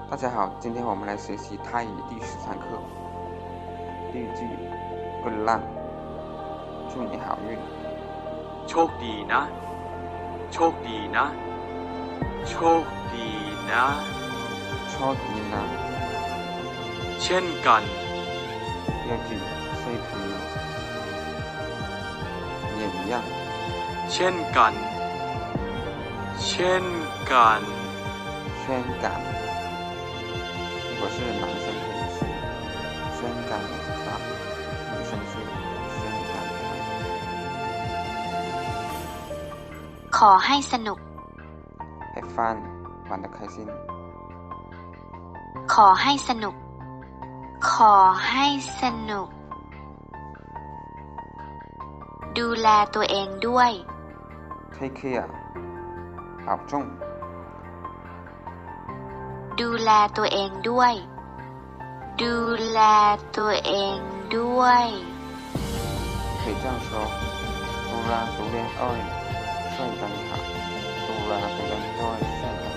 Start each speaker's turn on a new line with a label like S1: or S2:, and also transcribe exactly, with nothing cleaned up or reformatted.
S1: 大家好，今天我们来学习泰语第十三课。第一句good luck，祝你好运。
S2: โชคดีนะโชคดีนะโชคดีนะ
S1: โชคดีนะ
S2: เช่นกัน
S1: 第二句 say to you， 也一样。
S2: เช่นกันเช่นกัน
S1: 宣感，如果是男生可以是宣感ครับ女生是宣感ครับ
S3: ขอให้สนุก
S1: have fun 玩得开心。
S3: ขอให้สนุกขอให้สนุกดูแลตัวเองด้วย
S1: take care 保重。
S3: ดูแลตัวเองด้วยดูแลตัวเองด้วย
S1: 可以这样说，杜拉杜连爱，帅得很好。杜拉杜连爱，帅得很